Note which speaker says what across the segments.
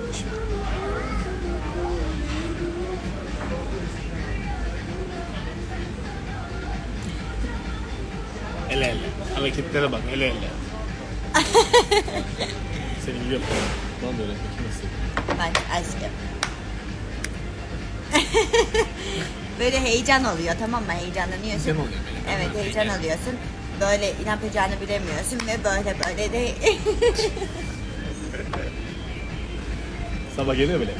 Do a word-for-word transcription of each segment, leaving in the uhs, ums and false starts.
Speaker 1: Ele ele. Hareketlere bak, ele ele. Seni gibi yapalım. Lan böyle bakayım nasıl.
Speaker 2: Bak aşkım. Böyle heyecan oluyor, tamam mı? Heyecanlanıyorsun.
Speaker 1: Heyecan oluyor böyle.
Speaker 2: Evet, heyecan alıyorsun. Böyle ne yapacağını bilemiyorsun ve böyle böyle de...
Speaker 1: Sabah geliyor böyle.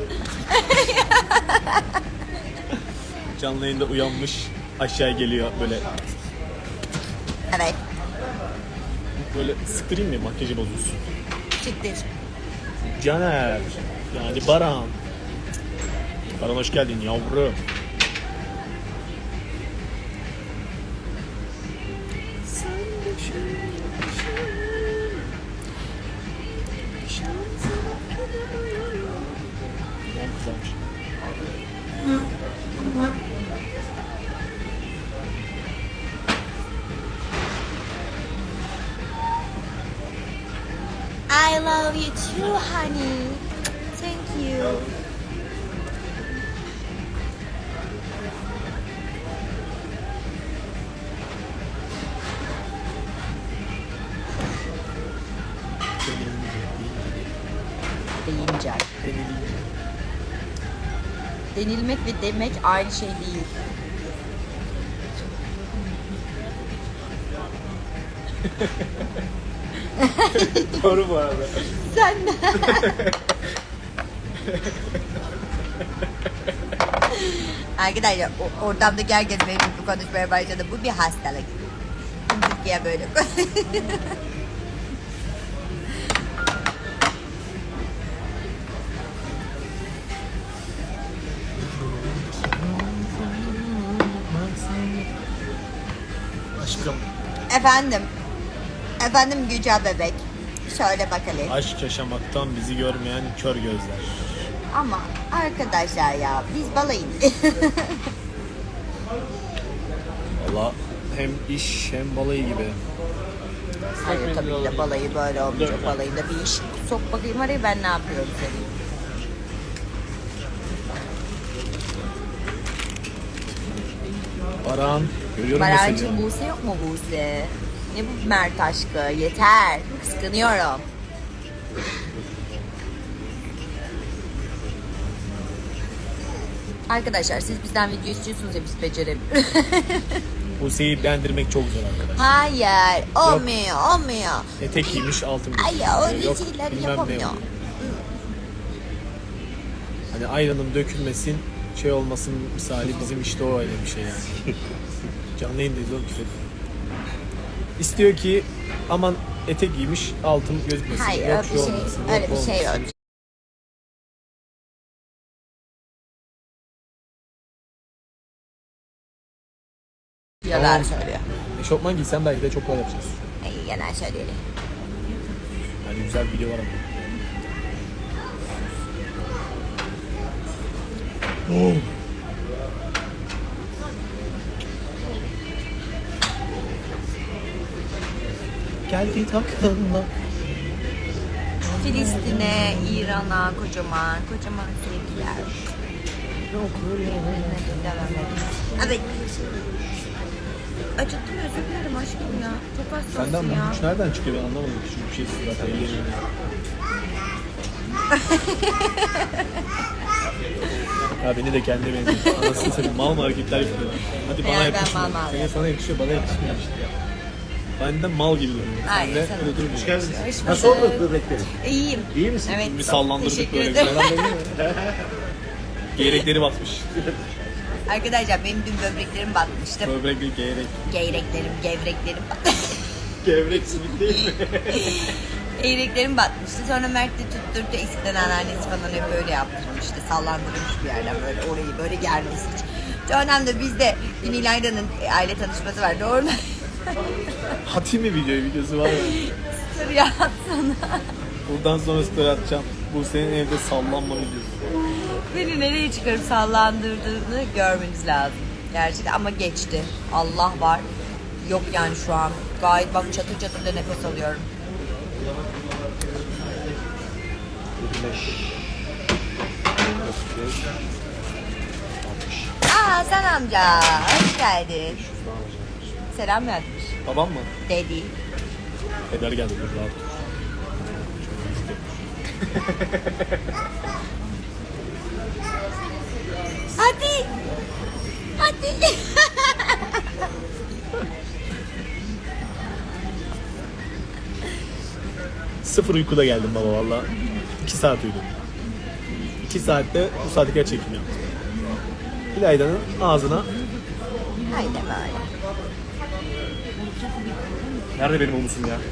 Speaker 1: Canlı yayında uyanmış, aşağı geliyor böyle.
Speaker 2: Evet,
Speaker 1: Böyle sıktırayım mı makyajı bozulsun?
Speaker 2: siktir.
Speaker 1: Caner, yani Baran. Baran hoş geldin yavrum.
Speaker 2: I love you too, honey. Thank you. Deyince. Denilmek ve demek aynı şey değil.
Speaker 1: Doğru bu arada.
Speaker 2: Sen de. Arkadaşlar o- ortamdaki herkes benim gibi konuşmaya başladı. Bu bir hastalık. Türkiye böyle konuşuyor.
Speaker 1: Aşkım.
Speaker 2: Efendim. Efendim Güca bebek. Şöyle bakalım.
Speaker 1: Aşk yaşamaktan bizi görmeyen kör gözler.
Speaker 2: Ama arkadaşlar ya biz balayın.
Speaker 1: Valla hem iş hem balayı gibi.
Speaker 2: Hayır tabii ki de balayı böyle olmayacak. Balayında bir iş. Sok bakayım oraya, ben ne yapıyorum senin.
Speaker 1: Baran, görüyorum da
Speaker 2: Barancığım
Speaker 1: seni.
Speaker 2: Buse yok mu Buse? Ne bu Mert aşkı? Yeter. Kıskanıyorum. Arkadaşlar siz bizden video istiyorsunuz ya, biz beceremiyoruz.
Speaker 1: Buse'yi beğendirmek çok zor arkadaşlar.
Speaker 2: Hayır. Olmuyor. Olmuyor.
Speaker 1: Etek giymiş altın
Speaker 2: Ay
Speaker 1: giymiş.
Speaker 2: ya öyle
Speaker 1: Yok,
Speaker 2: şeyler
Speaker 1: bilmem ne
Speaker 2: yapamıyor.
Speaker 1: oluyor. Hani ayranın dökülmesin, şey olmasın misali bizim işte o öyle bir şey yani. Canlı yayındayız oğlum, küfür. İstiyor ki aman etek giymiş altın gözükmesin.
Speaker 2: Hayır
Speaker 1: yok
Speaker 2: öyle
Speaker 1: şu
Speaker 2: bir şey,
Speaker 1: olmasın,
Speaker 2: öyle
Speaker 1: yok
Speaker 2: bir şey yok.
Speaker 1: olmasın.
Speaker 2: Yalan
Speaker 1: Tamam.
Speaker 2: söylüyor.
Speaker 1: Eşofman giysen belki de çok kolay yapacağız.
Speaker 2: Ay, yalan söylüyor.
Speaker 1: Hani güzel bir video var ama. Oh. Geldi takılma.
Speaker 2: Filistin'e, İran'a kocaman, kocaman sevgiler. Evet. Acıttım, özür dilerim aşkım ya. Çok
Speaker 1: Senden
Speaker 2: hastasın
Speaker 1: bu
Speaker 2: ya.
Speaker 1: güç nereden çıkıyor ben anlamadım. Küçük bir şey zaten ellerimde. Ya beni de kendine benziyor. Anasını seveyim mal mı hareketler yapıyor. Hadi bana
Speaker 2: Ya ben
Speaker 1: yakışmıyor.
Speaker 2: mal mal
Speaker 1: Senin sana yakışıyor, bana yakışmıyor işte ya. Ben de mal gibi duruyor.
Speaker 2: Hayır,
Speaker 1: Sen de
Speaker 2: sana-
Speaker 1: öyle durmuyor.
Speaker 3: Hoş geldiniz.
Speaker 2: Hoş
Speaker 3: Nasıl
Speaker 2: bulduk.
Speaker 3: oldu böbreklerin?
Speaker 2: İyiyim.
Speaker 3: İyi misin?
Speaker 2: Evet.
Speaker 1: Bir sallandırdık
Speaker 2: Teşekkür
Speaker 1: böyle.
Speaker 2: ederim.
Speaker 1: Geyrekleri batmış.
Speaker 2: Arkadaşlar benim dün böbreklerim batmıştı.
Speaker 1: Böbrek değil geyrek.
Speaker 2: Geyreklerim, gevreklerim batmıştı.
Speaker 1: Gevrek simit değil mi?
Speaker 2: Geyreklerim batmıştı. Sonra Mert de tutturdu. Eskiden anneannesi falan hep böyle yaptırmıştı. Sallandırmış bir yerden böyle orayı böyle germesi için. Sonra da bizde dün İlayda'nın aile tanışması vardı. Orada
Speaker 1: Atayım mı videoyu? Videosu var mı?
Speaker 2: story atsana.
Speaker 1: Buradan sonra story atacağım. Bu senin evde sallanma videosu.
Speaker 2: Beni nereye çıkarıp sallandırdığını görmeniz lazım. Gerçekten ama geçti. Allah var. Yok yani şu an. Gayet bak çatır çatır da nefes alıyorum.
Speaker 3: yirmi beş. otuz beş. altmış.
Speaker 2: Aa Hasan amca hoş geldin.
Speaker 3: Şuradan alacağım.
Speaker 2: Selam yazmış.
Speaker 1: Babam mı?
Speaker 2: Dedi.
Speaker 1: Eder geldi dur rahat dur.
Speaker 2: Hadi. Hadi.
Speaker 1: Sıfır uykuda geldim baba valla. iki saat uyudum. iki saatte bu saatlikler çekim yaptım. İlayda'nın ağzına
Speaker 2: Haydi böyle.
Speaker 3: Nerede benim humusum ya?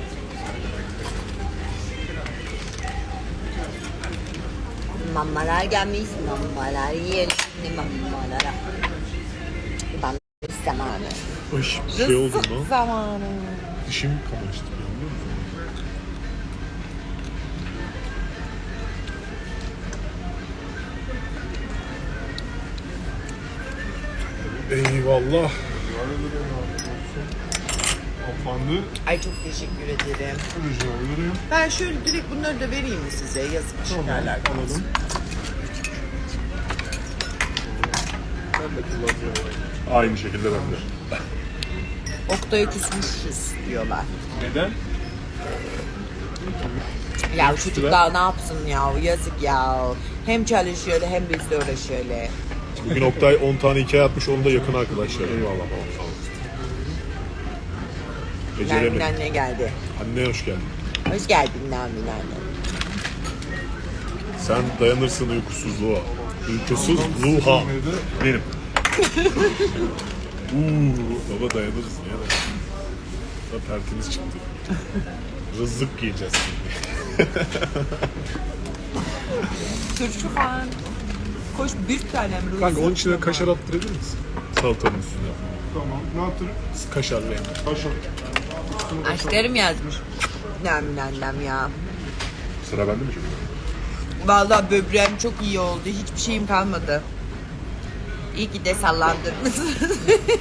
Speaker 2: Mamalar gelmiş, mamalar yiyelim şimdi mamalara. Ben zamanı.
Speaker 4: Baş, şey oldu
Speaker 2: Rızık
Speaker 4: mu?
Speaker 2: zamanı.
Speaker 4: Dişim kamaştı biliyor musun? Eyvallah. Hanımefendi,
Speaker 5: Ay çok teşekkür ederim.
Speaker 4: rica ederim.
Speaker 5: Ben şöyle direkt bunları da vereyim mi size? Yazık çıkarlar.
Speaker 4: Alalım. Ben de kullanıyorum. Aynı şekilde ben de.
Speaker 5: Oktay'a küsmüşüz diyorlar.
Speaker 4: Neden?
Speaker 5: Ya çocuklar ne yapsın ya? Yazık ya. Hem çalışıyor hem bizle uğraşıyor.
Speaker 4: Bugün Oktay on tane hikaye atmış, onu da yakın arkadaşlar. Eyvallah babam, sağ olasın.
Speaker 5: Nermin
Speaker 4: Beceremedim.
Speaker 5: anne geldi.
Speaker 4: Anne hoş geldin.
Speaker 5: Hoş geldin Nermin anne.
Speaker 4: Sen dayanırsın uykusuzluğa. Uykusuzluğa. Benim. Uuu, baba dayanırız ya. Da tertemiz çıktı. Rızık yiyeceğiz şimdi.
Speaker 5: Turşu falan. Koş bir tane mi?
Speaker 4: Kanka onun içine kaşar attırabilir misin? Salatanın üstüne.
Speaker 6: Tamam. Ne yaptın?
Speaker 4: Kaşar veya.
Speaker 6: Kaşar.
Speaker 5: Aşklarım yazmış. Nermin annem ya.
Speaker 4: Sıra bende mi şimdi?
Speaker 5: Vallahi böbreğim çok iyi oldu. Hiçbir şeyim kalmadı. İyi ki de sallandırmışsınız.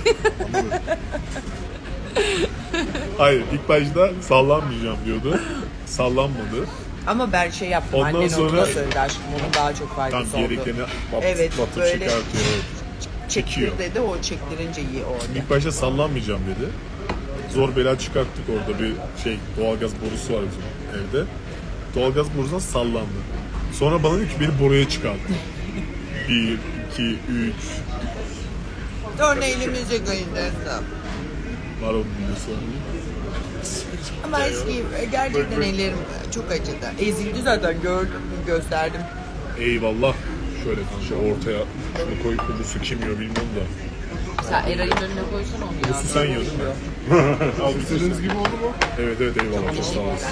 Speaker 4: Hayır, ilk başta sallanmayacağım diyordu. Sallanmadı.
Speaker 5: Ama ben şey yaptım.
Speaker 4: Ondan
Speaker 5: Annen
Speaker 4: sonra-
Speaker 5: sonra söyledi aşkım. Onun daha çok
Speaker 4: Tam
Speaker 5: faydası oldu.
Speaker 4: gerekeni batıp,
Speaker 5: Evet,
Speaker 4: batıp
Speaker 5: böyle
Speaker 4: çıkartıyor. Evet.
Speaker 5: Çektir
Speaker 4: çekiyor.
Speaker 5: dedi. O çektirince iyi oldu.
Speaker 4: İlk başta sallanmayacağım dedi. Zor bela çıkarttık, orada bir şey doğalgaz borusu var bizim evde. Doğalgaz borusundan sallandı. Sonra bana dedi ki beni boruya çıkart. Bir, iki, üç.
Speaker 5: Sonra elimize gönderdim.
Speaker 4: Var onun videosu.
Speaker 5: Ama eski gerçekten ellerim çok acıdı. Ezildi zaten gördüm, gösterdim.
Speaker 4: Eyvallah. Şöyle kanka ortaya şunu koy, kubusu kim yiyor bilmiyorum da.
Speaker 5: Sen Eray'ın önüne koysana onu ya.
Speaker 4: Kubusu sen yiyorsun değil mi? Al
Speaker 6: İstediğiniz gibi oldu mu?
Speaker 4: Evet evet eyvallah, çok sağ olasın.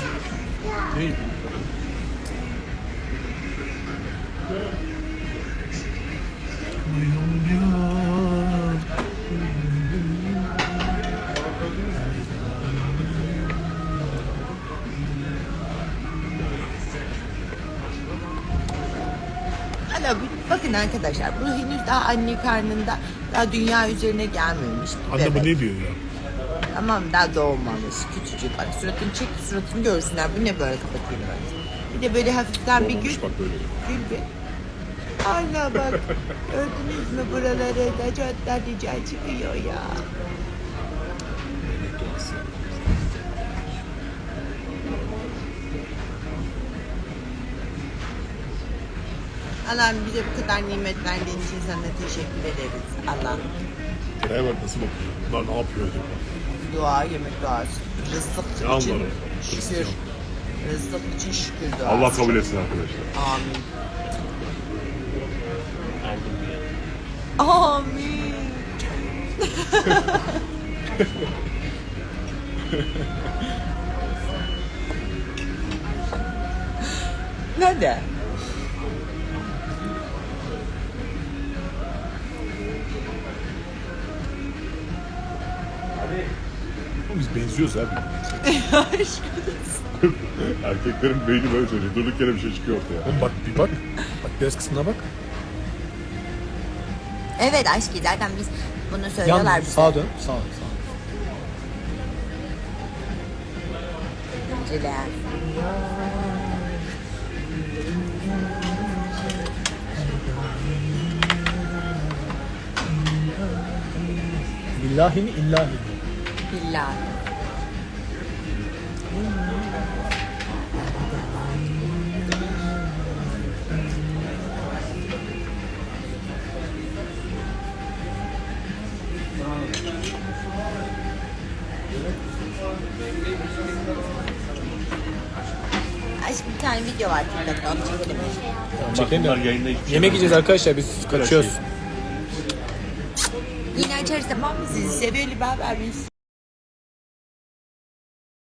Speaker 5: Hala bir- bakın arkadaşlar bu henüz daha anne karnında, daha dünya üzerine gelmemiş. bir
Speaker 4: Anne bu
Speaker 5: bebek.
Speaker 4: ne diyor ya?
Speaker 5: Tamam daha doğmamış küçücük. Bak suratını çek, suratını görsünler. Bu ne böyle, kapatayım ben. Bir de böyle hafiften bir gül.
Speaker 4: Olmamış bak böyle.
Speaker 5: Gül bir. Allah bak. Gördünüz mü buraları da çatlar rica çıkıyor ya. Allah'ım bize bu kadar nimet verdiğin için sana teşekkür ederiz. Allah.
Speaker 4: Nereye bak nasıl bakıyor? Bunlar ne yapıyor acaba?
Speaker 5: Dua, yemek duası. Rızık
Speaker 4: Ne
Speaker 5: için
Speaker 4: anlarım?
Speaker 5: şükür.
Speaker 4: Hristiyan.
Speaker 5: Rızık için şükür duası.
Speaker 4: Allah kabul etsin arkadaşlar.
Speaker 5: Amin. Amin. Nerede?
Speaker 4: Oğlum biz benziyoruz abi. Erkeklerin beyni böyle söylüyor. Durduk yere bir şey çıkıyor ortaya.
Speaker 1: Oğlum bak bir bak. Bak göz kısmına bak.
Speaker 2: Evet aşkı zaten biz bunu söylüyorlar
Speaker 1: Yan
Speaker 2: bize.
Speaker 1: sağa dön. Sağa sağa.
Speaker 2: Ciler.
Speaker 1: İllahi mi illahi mi?
Speaker 2: Billahi. Aşkım bir tane video var TikTok'ta, onu çekelim.
Speaker 1: Çekelim
Speaker 3: Bunlar
Speaker 1: de.
Speaker 3: yayında hiçbir şey
Speaker 1: Yemek
Speaker 3: yok.
Speaker 1: yiyeceğiz arkadaşlar, biz kaçıyoruz.
Speaker 2: Yine açarız tamam mı? Sizi seviyorum, haber biz.